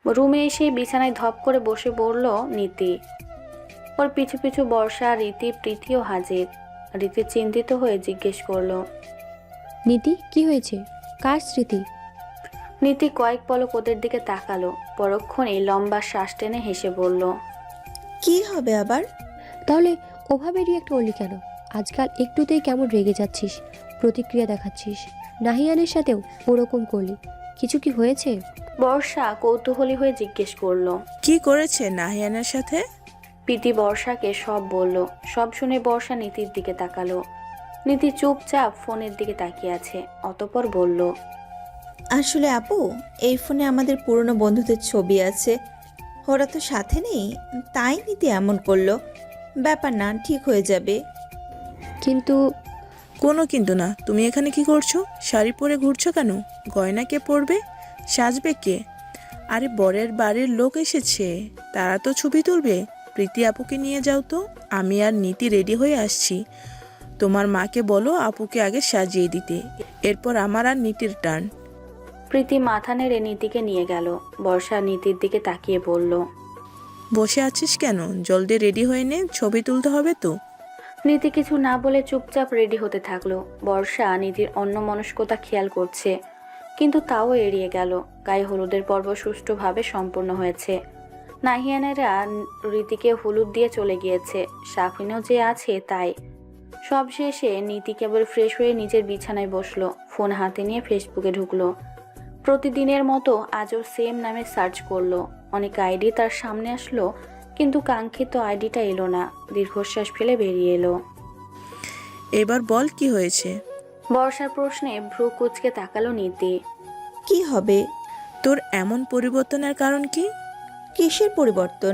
রুমে এসে বিছানায় ধপ করে বসে পড়ল নীতি। ওর পিছু পিছু বর্ষা, রীতি, প্রীতিও হাজির। রীতি চিন্তিত হয়ে জিজ্ঞেস করলো, নীতি, কি হয়েছে? কার স্মৃতি? নীতি কয়েক পলক ওদের দিকে তাকালো, পরক্ষণেই লম্বা শ্বাস টেনে হেসে বলল, কি হবে আবার? তাহলে ওভাবে রিয়াক্ট করলি কেন? আজকাল একটুতেই কেমন রেগে যাচ্ছিস, প্রতিক্রিয়া দেখাচ্ছিস। নাহিয়ানের সাথেও ওরকম করলি, কিছু কি হয়েছে? বর্ষা কৌতূহলী হয়ে জিজ্ঞেস করলো। কি করেছে নাহিয়ানের সাথে? প্রীতি বর্ষাকে সব বলল। সব শুনে বর্ষা নীতির দিকে তাকালো। নীতি চুপচাপ ফোনের দিকে তাকিয়ে আছে, অতঃপর বলল, আসলে আপু, এই ফোনে আমাদের পুরনো বন্ধুদের ছবি আছে, ওরা তো সাথে নেই, তাই নীতি এমন করলো। ব্যাপার না, ঠিক হয়ে যাবে। কিন্তু কোনো কিন্তু না। তুমি এখানে কি করছো? শাড়ি পরে ঘুরছো কেন? গয়না কে পরবে? সাজবে কে? আরে বরের বাড়ির লোক এসেছে, তারা তো ছবি তুলবে। প্রীতি আপুকে নিয়ে যাও তো, আমি আর নীতি রেডি হয়ে আসছি। তোমার মাকে বলো আপুকে আগে সাজিয়ে দিতে, এরপর আমার আর নীতির টার্ন। প্রীতি মাথা নেড়ে নীতিকে নিয়ে গেল। বর্ষা নীতির দিকে তাকিয়ে বলল, বসে আছিস কেন? জলদি রেডি হয়ে নে, ছবি তুলতে হবে তো। নীতি কিছু না বলে চুপচাপ রেডি হতে থাকলো। বর্ষা নীতির অন্যমনস্কতা খেয়াল করছে, কিন্তু তাও এড়িয়ে গেল। গায়ে হলুদের পর্ব সুষ্ঠুভাবে সম্পূর্ণ হয়েছে। নাহিয়ানেরা রীতিকে হলুদ দিয়ে চলে গিয়েছে, সাফিনও যে আছে তাই। সব শেষে নীতি কেবল ফ্রেশ হয়ে নিজের বিছানায় বসলো, ফোন হাতে নিয়ে ফেসবুকে ঢুকলো। প্রতিদিনের মতো আজও সেম নামে সার্চ করলো। অনেক আইডি তার সামনে আসলো, কিন্তু কাঙ্ক্ষিত আইডিটা এলো না। দীর্ঘশ্বাস ফেলে বেরিয়ে এলো। এবার বল কি হয়েছে? বর্ষার প্রশ্নে ভ্রু কুঁচকে তাকালো নীতি। কি হবে? তোর এমন পরিবর্তনের কারণ কি? কিসের পরিবর্তন?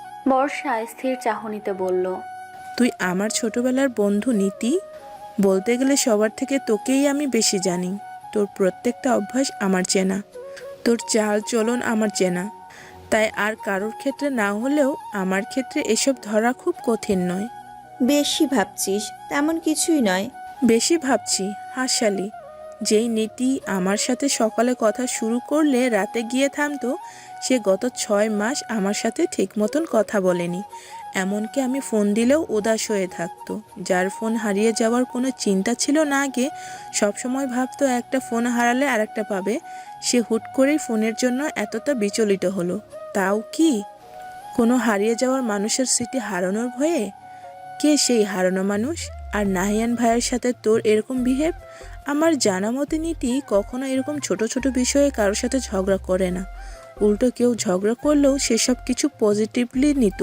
বর্ষা স্থির চাহনিতে বলল, তুই আমার ছোটবেলার বন্ধু নীতি। বলতে গেলে সবার থেকে তোকেই আমি বেশি জানি। তোর প্রত্যেকটা অভ্যাস আমার চেনা, তোর চাল চলন আমার চেনা। তাই আর কারোর ক্ষেত্রে না হলেও আমার ক্ষেত্রে এসব ধরা খুব কঠিন নয়। বেশি ভাবছিস, তেমন কিছুই নয়। বেশি ভাবছি? হাসালি। যেই নীতি আমার সাথে সকালে কথা শুরু করলে রাতে গিয়ে থামতো, সে গত 6 মাস আমার সাথে ঠিক মতন কথা বলেনি। এমনকি আমি ফোন দিলেও উদাস হয়ে থাকতো। যার ফোন হারিয়ে যাওয়ার কোনো চিন্তা ছিল না আগে, সবসময় ভাবতো একটা ফোন হারালে আরেকটা পাবে, সে হুট করেই ফোনের জন্য এতটা বিচলিত হলো। তাও কি কোনো হারিয়ে যাওয়ার মানুষের স্মৃতি হারানোর ভয়ে? কে সেই হারানো মানুষ? আর নাহিয়ান ভাইয়ের সাথে তোর এরকম বিহেভ? আমার জানা মতে নীতি কখনো এরকম ছোট ছোট বিষয়ে কারোর সাথে ঝগড়া করে না। উল্টো কেউ ঝগড়া করলেও সেসব কিছু পজিটিভলি নিত,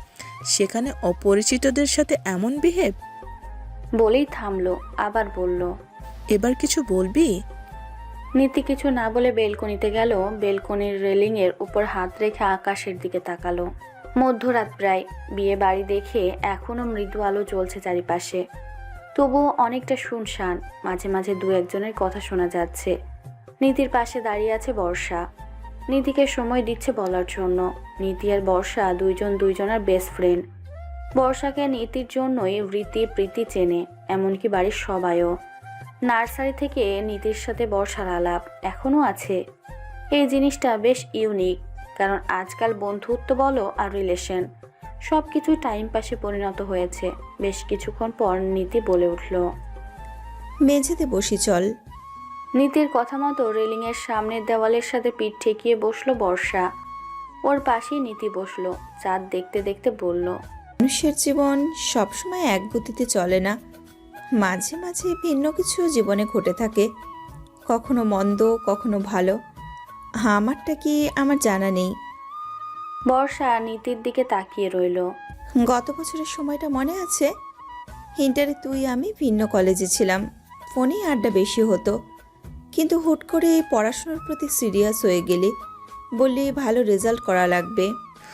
সেখানে অপরিচিতদের সাথে এমন বিহেভ? বলেই থামলো, আবার বলল, এবার কিছু বলবি? নীতি কিছু না বলে বেলকনিতে গেল। বেলকনির রেলিংয়ের উপর হাত রেখে আকাশের দিকে তাকালো। মধ্যরাত প্রায়। বিয়ে বাড়ি দেখে এখনো মৃদু আলো জ্বলছে চারিপাশে, তবুও অনেকটা শুনশান। মাঝে মাঝে দু একজনের কথা শোনা যাচ্ছে। নীতির পাশে দাঁড়িয়ে আছে বর্ষা, নীতিকে সময় দিচ্ছে বলার জন্য। নীতি আর বর্ষা দুইজন দুইজনের বেস্ট ফ্রেন্ড। বর্ষাকে নীতির জন্যই রীতি প্রীতি চেনে, এমনকি বাড়ির সবাইও। নার্সারি থেকে নীতির সাথে বর্ষার আলাপ এখনও আছে। এই জিনিসটা বেশ ইউনিক, কারণ আজকাল বন্ধুত্ব বলো আর রিলেশন সব কিছুই টাইম পাসে পরিণত হয়েছে। বেশ কিছুক্ষণ পর নীতি বলে উঠল, মেঝেতে বসি চল। নীতির কথা মতো রেলিংয়ের সামনের দেওয়ালের সাথে পিঠ ঠেকিয়ে বসলো বর্ষা। ওর পাশেই নীতি বসলো। চাঁদ দেখতে দেখতে বলল, মানুষের জীবন সবসময় এক গতিতে চলে না, মাঝে মাঝে ভিন্ন কিছু জীবনে ঘটে থাকে, কখনো মন্দ, কখনো ভালো। আমারটা কি আমার জানা নেই। বর্ষা নীতির দিকে তাকিয়ে রইল। গত বছরের সময়টা মনে আছে? ইন্টারে তুই আমি ভিন্ন কলেজে ছিলাম, ফোনে আড্ডা বেশি হতো, কিন্তু হুট করে পড়াশোনার প্রতি সিরিয়াস হয়ে গেলি, বললি ভালো রেজাল্ট করা লাগবে।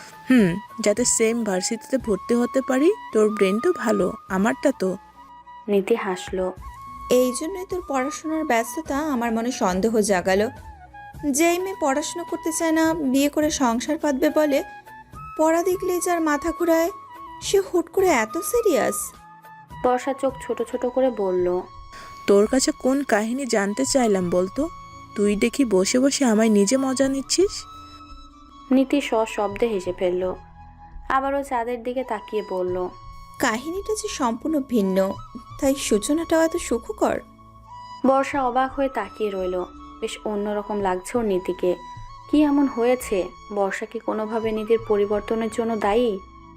যাতে সেম ভার্সিটিতে ভর্তি হতে পারি। তোর ব্রেন তো ভালো, আমারটা তো। নীতি হাসলো। এই জন্যই তোর পড়াশোনার ব্যস্ততা আমার মনে সন্দেহ জাগালো। যেই মেয়ে পড়াশোনা করতে চায় না, বিয়ে করে সংসার পাতবে বলে, পড়া দেখলেই যার মাথা ঘুরায়, সে হুট করে এত সিরিয়াস। বর্ষা চোখ ছোট ছোট করে বলল, তোর কাছে কোন কাহিনী জানতে চাইলাম বলতো? তুই দেখি বসে বসে আমায় নিজে মজা নিচ্ছিস। নীতি সশব্দে হেসে ফেলল। আবারও চাঁদের দিকে তাকিয়ে বলল, কাহিনীটা যে সম্পূর্ণ ভিন্ন, তাই সূচনাটাও এত সুখকর। বর্ষা অবাক হয়ে তাকিয়ে রইল। বেশ অন্যরকম লাগছে ওর নীতিকে। কি এমন হয়েছে? বর্ষা কি কোনোভাবে নীতির পরিবর্তনের জন্য দায়ী?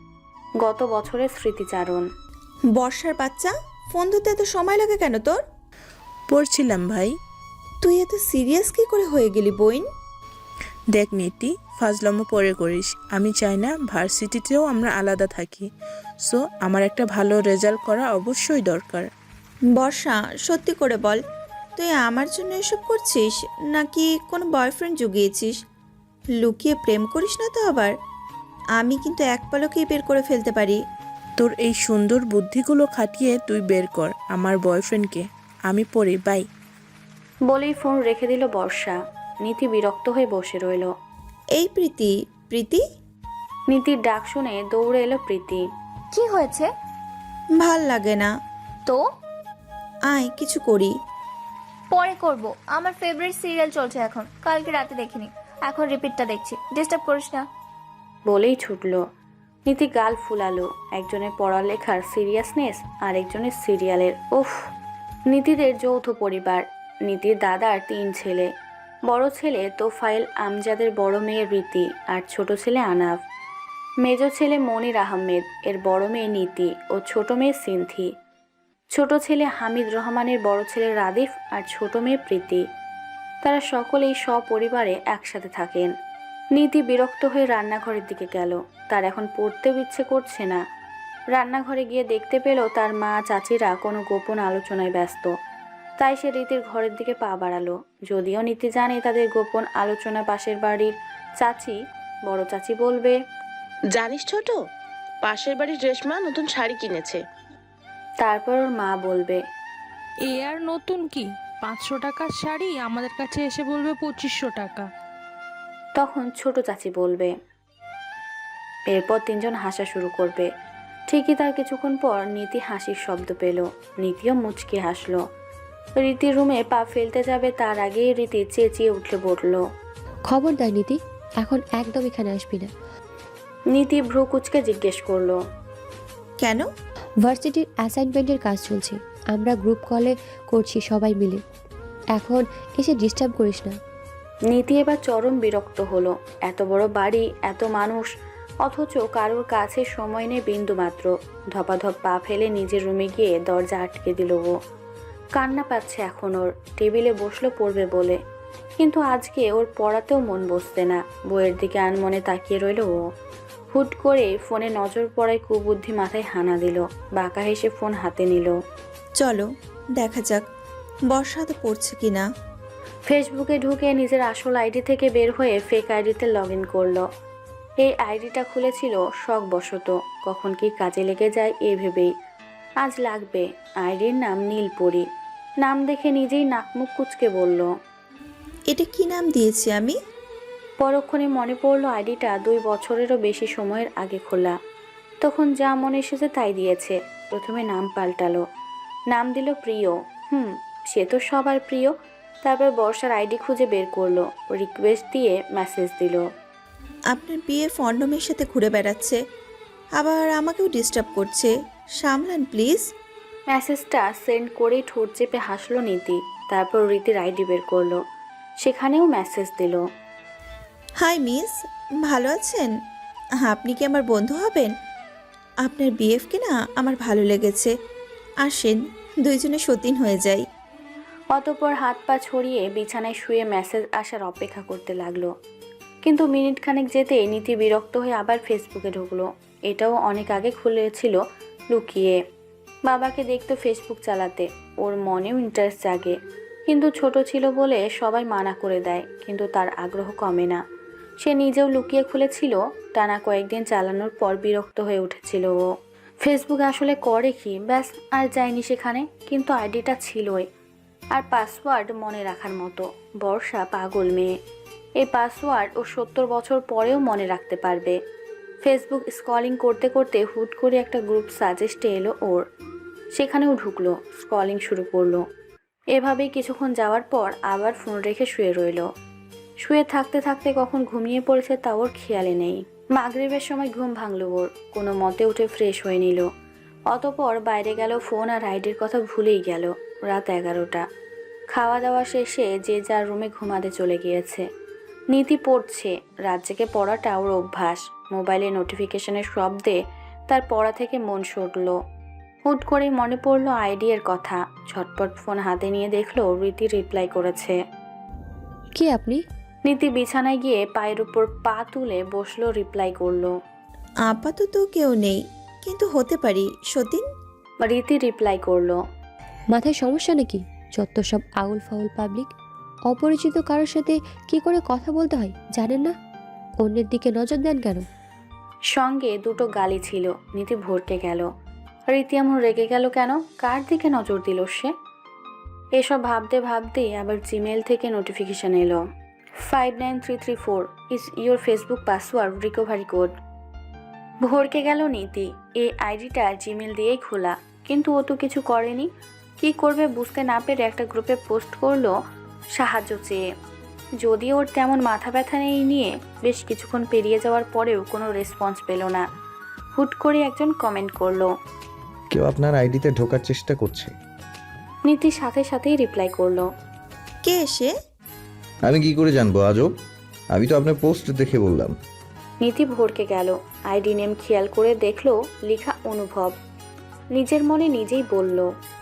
গত বছরের স্মৃতিচারণ। বর্ষার বাচ্চা, ফোন ধরতে এত সময় লাগে কেন তোর? পড়ছিলাম ভাই। তুই এত সিরিয়াস কি করে হয়ে গেলি বইন? দেখ নীতি, ফাজলামো পরে করিস। আমি চাই না ভার্সিটিতেও আমরা আলাদা থাকি। সো আমার একটা ভালো রেজাল্ট করা অবশ্যই দরকার। বর্ষা, সত্যি করে বল, তুই আমার জন্য এসব করছিস নাকি কোনো বয়ফ্রেন্ড জুগিয়েছিস? লুকিয়ে প্রেম করিস না তো আবার? আমি কিন্তু এক পলকেই বের করে ফেলতে পারি। তোর এই সুন্দর বুদ্ধিগুলো খাটিয়ে তুই বের কর আমার বয়ফ্রেন্ডকে। আমি পড়ি, বাই। বলেই ফোন রেখে দিল বর্ষা। নীতি বিরক্ত হয়ে বসে রইল। এই প্রীতি, প্রীতি, নীতির ডাক শুনে দৌড়ে এলো প্রীতি। কি হয়েছে? ভাল লাগে না, তো আয় কিছু করি। পরে করব, আমার ফেভারিট সিরিয়াল চলছে এখন, কালকে রাতে দেখিনি, এখন রিপিটটা দেখছি, ডিস্টার্ব করিস না। বলেই ছুটল। নীতি গাল ফুলালো। একজনের পড়ালেখার সিরিয়াসনেস আর একজনের সিরিয়ালের। উফ! নীতিদের যৌথ পরিবার। নীতির দাদার 3 ছেলে। বড় ছেলে তোফায়েল আমজাদের বড় মেয়ে রীতি আর ছোট ছেলে আনাফ। মেজ ছেলে মনির আহমেদ, এর বড় মেয়ে নীতি ও ছোট মেয়ে সিনথি। ছোট ছেলে হামিদ রহমানের বড় ছেলে রাদিফ আর ছোট মেয়ে প্রীতি। তারা সকলেই সপরিবারে একসাথে থাকেন। নীতি বিরক্ত হয়ে রান্নাঘরের দিকে গেল। তার এখন পড়তেও ইচ্ছে করছে না। রান্নাঘরে গিয়ে দেখতে পেল তার মা চাচিরা কোনো গোপন আলোচনায় ব্যস্ত। তাই সে রীতির ঘরের দিকে পা বাড়ালো। যদিও নীতি জানে তাদের গোপন আলোচনা পাশের বাড়ির চাচি, বড় চাচি বলবে, জানিস ছোট, পাশের বাড়ির রেশমা নতুন শাড়ি কিনেছে। তারপর ওর মা বলবে, এ আর নতুন কি, 500 টাকার শাড়ি আমাদের কাছে এসে বলবে 2500 টাকা। তখন ছোট চাচি বলবে। এরপর 3জন হাসা শুরু করবে। ঠিকই তার কিছুক্ষণ পর নীতি হাসির শব্দ পেল। নীতিও মুচকি হাসলো। রীতির রুমে পা ফেলতে যাবে তার আগেই রীতি চেঁচিয়ে উঠে পড়ল। খবরদার নীতি, এখন একদম এখানে আসবি না। নীতি ভ্রু কুচকে জিজ্ঞেস করলো, কেন? ভার্সিটির অ্যাসাইনমেন্টের কাজ চলছে, আমরা গ্রুপ কলে করছি সবাই মিলে। এখন এসে ডিস্টার্ব করিস না। নীতি এবার চরম বিরক্ত হলো। এত বড় বাড়ি, এত মানুষ, অথচ কারোর কাছে সময় নেই বিন্দু মাত্র। ধপাধপ পা ফেলে নিজের রুমে গিয়ে দরজা আটকে দিল ও। কান্না পাচ্ছে এখন ওর। টেবিলে বসলো পড়বে বলে, কিন্তু আজকে ওর পড়াতেও মন বসছে না। বইয়ের দিকে আনমনে তাকিয়ে রইল ও। হুট করে ফোনে নজর পড়ায় কুবুদ্ধি মাথায় হানা দিল। বাঁকা হেসে ফোন হাতে নিল। চলো দেখা যাক বর্ষা তো পড়ছে কিনা। ফেসবুকে ঢুকে নিজের আসল আইডি থেকে বের হয়ে ফেক আইডিতে লগ ইন করলো। এই আইডিটা খুলেছিল শখবশত, কখন কি কাজে লেগে যায় এ ভেবেই। আজ লাগবে। আইডির নাম নীলপরি। নাম দেখে নিজেই নাকমুখ কুচকে বলল। এটা কি নাম দিয়েছি আমি? পরক্ষণে মনে পড়ল আইডিটা 2 বছরেরও বেশি সময়ের আগে খোলা। তখন যা মনে এসেছে তাই দিয়েছে। প্রথমে নাম পাল্টালো, নাম দিল প্রিয়। সে তো সবার প্রিয়। তারপর বর্ষার আইডি খুঁজে বের করলো, রিকোয়েস্ট দিয়ে মেসেজ দিল। আপনার বিয়ে ফন্ডমের সাথে ঘুরে বেড়াচ্ছে, আবার আমাকেও ডিস্টার্ব করছে, সামলান প্লিজ। মেসেজটা সেন্ড করেই ঠোঁট চেপে হাসলো নীতি। তারপর রীতির আইডি বের করলো, সেখানেও মেসেজ দিল। হাই মিস, ভালো আছেন? আপনি কি আমার বন্ধু হবেন? আপনার বিএফকে না আমার ভালো লেগেছে, আসেন দুইজনে সতীন হয়ে যাই। অতঃপর হাত পা ছড়িয়ে বিছানায় শুয়ে মেসেজ আসার অপেক্ষা করতে লাগলো। কিন্তু মিনিট খানেক যেতেই নীতি বিরক্ত হয়ে আবার ফেসবুকে ঢুকলো। এটাও অনেক আগে খুলেছিল লুকিয়ে। বাবাকে দেখতো ফেসবুক চালাতে, ওর মনেও ইন্টারেস্ট জাগে। কিন্তু ছোট ছিল বলে সবাই মানা করে দেয়, কিন্তু তার আগ্রহ কমে না। সে নিজেও লুকিয়ে খুলেছিল। টানা কয়েকদিন চালানোর পর বিরক্ত হয়ে উঠেছিল ও। ফেসবুক আসলে করে কি, ব্যাস আর যায়নি সেখানে। কিন্তু আইডিটা ছিলই, আর পাসওয়ার্ড মনে রাখার মতো। বর্ষা পাগল মেয়ে। এই পাসওয়ার্ড ও 70 বছর পরেও মনে রাখতে পারবে। ফেসবুক স্ক্রলিং করতে করতে হুট করে একটা গ্রুপ সাজেস্টে এলো ওর। সেখানেও ঢুকলো, স্ক্রলিং শুরু করলো। এভাবেই কিছুক্ষণ যাওয়ার পর আবার ফোন রেখে শুয়ে রইল। শুয়ে থাকতে থাকতে কখন ঘুমিয়ে পড়েছে তা ওর খেয়ালে নেই। মাগরিবের সময় ঘুম ভাঙল ওর, কোনো মতে উঠে ফ্রেশ হয়ে নিল। অতপর বাইরে গেল, ফোন আর আইডির কথা ভুলেই গেল। রাত 11টা। খাওয়া দাওয়া শেষে যে যার রুমে ঘুমাতে চলে গিয়েছে। নীতি পড়ছে। রাত জেগে পড়াটা ওর অভ্যাস। মোবাইলে নোটিফিকেশনের শব্দে তার পড়া থেকে মন সরল। হুট করে মনে পড়ল আইডি এর কথা। ঝটপট ফোন হাতে নিয়ে দেখলো রীতি রিপ্লাই করেছে। কে আপনি? নীতি বিছানায় গিয়ে পায়ের উপর পা তুলে বসলো, রিপ্লাই করলো। আপাতত কেউ নেই, কিন্তু হতে পারি সতীন। রীতি রিপ্লাই করলো। মাথায় সমস্যা নাকি? যত সব আউল ফাউল পাবলিক। অপরিচিত কারোর সাথে কি করে কথা বলতে হয় জানেন না? অন্যের দিকে নজর দেন কেন? সঙ্গে দুটো গালি ছিল। নীতি ভরকে গেল। রীতি এমন রেগে গেল কেন? কার দিকে নজর দিল সে? এসব ভাবতে ভাবতে আবার জিমেল থেকে নোটিফিকেশন এলো। 59334 is your Facebook password recovery code. ভরকে গেল নীতি। এই আইডিটা জিমেল দিয়েই খোলা, কিন্তু ও তো কিছু করেনি। কি করবে বুঝতে না পেরে একটা গ্রুপে পোস্ট করলো সাহায্য চেয়ে। যদি ওর তেমন মাথা ব্যথা নেই নিয়ে বেশ কিছুক্ষণ পেরিয়ে যাওয়ার পরেও কোনো রেসপন্স পেল না। হুট করে একজন কমেন্ট করলো। কেউ আপনার আইডিতে ঢোকার চেষ্টা করছে। নীতি সাথে সাথেই রিপ্লাই করলো। কে এসে? আমি কি করে জানবো আজব? আমি তো আপনার পোস্ট দেখে বললাম। নীতি ভরকে গেল। আইডি নেম খেয়াল করে দেখলো লেখা অনুভব। নিজের মনে নিজেই বলল,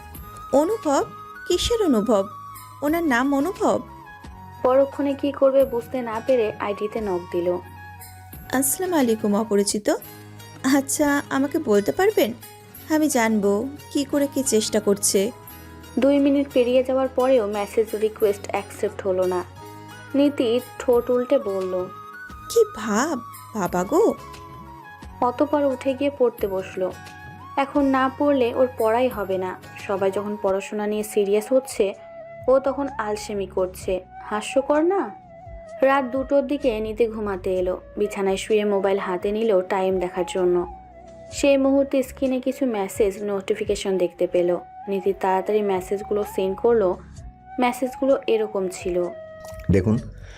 অনুভব? কিসের অনুভব? ওনার নাম অনুভব? পরক্ষণে কি করবে বুঝতে না পেরে আইডিতে নক দিল। আসসালামু আলাইকুম অপরিচিত। আচ্ছা, আমাকে বলতে পারবেন? আমি জানবো কি করে কি চেষ্টা করছে। 2 মিনিট পেরিয়ে যাওয়ার পরেও মেসেজ রিকোয়েস্ট অ্যাকসেপ্ট হলো না। নীতি ঠোঁট উল্টে বলল, কি ভাব বাবা গো। অতপর উঠে গিয়ে পড়তে বসলো। এখন না পড়লে ওর পড়াই হবে না। সবাই যখন পড়াশোনা নিয়ে সিরিয়াস হচ্ছে, ও তখন আলসেমি করছে। হাস্যকর না? রাত 2টোর দিকে নীতি ঘুমাতে এলো। বিছানায় শুয়ে মোবাইল হাতে নিল টাইম দেখার জন্য। সেই মুহূর্তে স্ক্রিনে কিছু মেসেজ নোটিফিকেশন দেখতে পেল। নীতি তাড়াতাড়ি মেসেজগুলো সেন্ড করলো। মেসেজগুলো এরকম ছিল। দেখুন,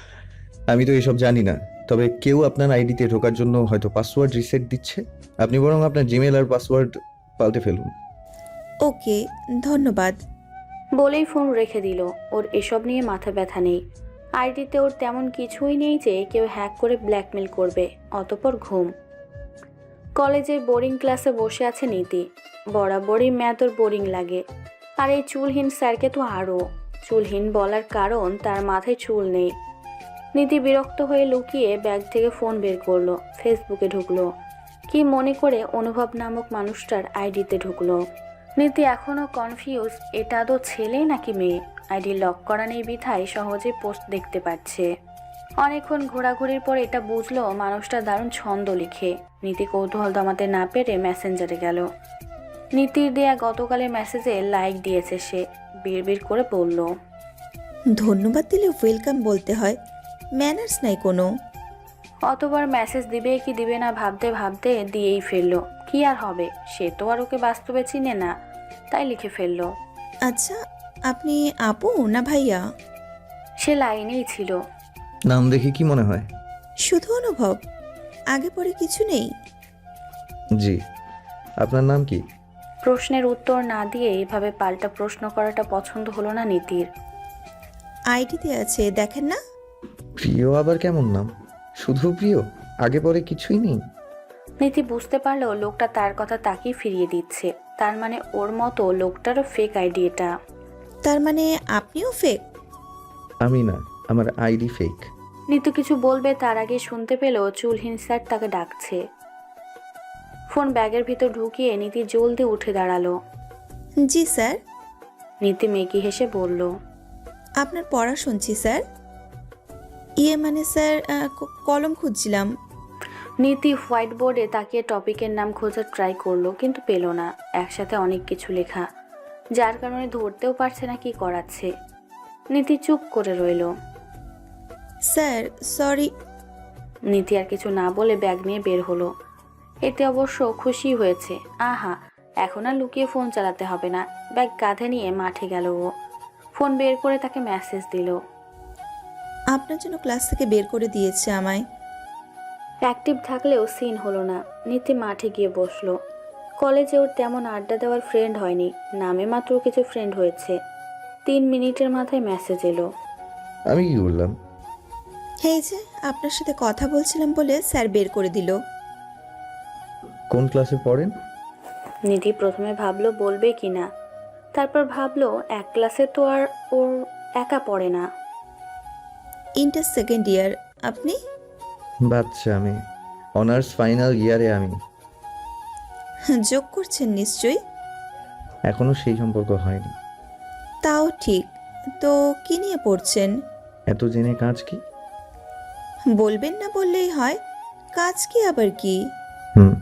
আমি তো এসব জানি না, তবে কেউ আপনার আইডিতে ঢোকার জন্য হয়তো পাসওয়ার্ড রিসেট দিচ্ছে। আপনি বরং আপনার জিমেল আর পাসওয়ার্ড পাল্টে ফেলুন। ওকে, ধন্যবাদ। বলেই ফোন রেখে দিল। ওর এসব নিয়ে মাথা ব্যথা নেই। আইডিতে ওর তেমন কিছুই নেই যে কেউ হ্যাক করে ব্ল্যাকমেল করবে। অতপর ঘুম। কলেজের বোরিং ক্লাসে বসে আছে নীতি। বরাবরই ম্যাথ ওর বোরিং লাগে। আর এই চুলহীন স্যারকে তো আরও। চুলহীন বলার কারণ তার মাথায় চুল নেই। নীতি বিরক্ত হয়ে লুকিয়ে ব্যাগ থেকে ফোন বের করলো। ফেসবুকে ঢুকলো। কি মনে করে অনুভব নামক মানুষটার আইডিতে ঢুকলো। নীতি এখনও কনফিউজ, এটা আদৌ ছেলে নাকি মেয়ে। আইডি লক করা নেই বিধায় সহজে পোস্ট দেখতে পাচ্ছে। অনেকক্ষণ ঘোরাঘুরির পর এটা বুঝলো মানুষটা দারুণ ছন্দ লিখে। নীতি কৌতূহল দমাতে না পেরে মেসেঞ্জারে গেল। নীতির দেয়া গতকালের মেসেজে লাইক দিয়েছে সে। বিড়বিড় করে বলল, ধন্যবাদ দিলে ওয়েলকাম বলতে হয়, ম্যানার্স নাই কোনো। অতবার মেসেজ দিবে কি দিবে না ভাবতে ভাবতে দিয়েই ফেললো। কি আর হবে, সে তো আর ওকে বাস্তবে চিনে না, তাই লিখে ফেললো। আচ্ছা, আপনি আপু না ভাইয়া? সে লাইনেই ছিল। নাম দেখে কি মনে হয়? শুধু অনুভব, আগে পরে কিছু নেই? জি। আপনার নাম কি? প্রশ্নের উত্তর না দিয়ে এভাবে পাল্টা প্রশ্ন করাটা পছন্দ হলো না নীতির। আইডিতে আছে, দেখেন না? প্রিয় আবার কেমন নাম? শুধু প্রিয়, আগে পরে কিছুই নেই? নীতি বুঝতে পারলো লোকটা তার কথা তাকিয়ে ফিরিয়ে দিচ্ছে। তার মানে ওর মতো লোকটারও ফেক আইডি এটা। তার মানে আপনিও ফেক? আমি না, আমার আইডি ফেক। নীতু কিছু বলবে তার আগে শুনতে পেল চুলহীন স্যার তাকে ডাকছে। ফোন ব্যাগের ভিতর ঢুকিয়ে নীতি জলদি উঠে দাঁড়ালো। জি স্যার। নীতি মেকি হেসে বলল, আপনার পড়া শুনছি স্যার। ইয়ে মানে স্যার, কলম খুঁজছিলাম। নীতি হোয়াইট বোর্ডে তাকিয়ে টপিকের নাম খোঁজার ট্রাই করলো, কিন্তু পেল না। একসাথে অনেক কিছু লেখা, যার কারণে ধরতেও পারছে না কি করাচ্ছে। নীতি চুপ করে রইল। Sir sorry. নীতি আর কিছু না বলে ব্যাগ নিয়ে বের হলো। এতে অবশ্য খুশি হয়েছে। আহা, এখন আর লুকিয়ে ফোন চালাতে হবে না। ব্যাগ কাঁধে নিয়ে মাঠে গেল ও। ফোন বের করে তাকে মেসেজ দিল। আপনার জন্য ক্লাস থেকে বের করে দিয়েছে আমায়। অ্যাক্টিভ থাকলেও সিন হলো না। নীতি মাঠে গিয়ে বসলো। কলেজে ওর তেমন আড্ডা দেওয়ার ফ্রেন্ড হয়নি, নামে মাত্র কিছু ফ্রেন্ড হয়েছে। 3 মিনিটের মাথায় মেসেজ এলো। আমি কি বললাম? এই যে আপনার সাথে কথা বলছিলাম বলে স্যার বের করে দিল। কোন ক্লাসে পড়েন? নিধি প্রথমে ভাবলো বলবে কি না, তারপর ভাবলো এক ক্লাসে তো আর ওর একা পড়ে না। Inter second year. আপনি? বাচ্চা আমি, অনার্স ফাইনাল ইয়ারে আমি। যোগ করছেন নিশ্চয়ই। এখনো সেই সম্পর্ক হয়নি। তাও ঠিক। তো কি নিয়ে পড়ছেন? এত জেনে কাজ কি? বলবেন না বললেই হয়। কাজ কি আবার কি? হুম,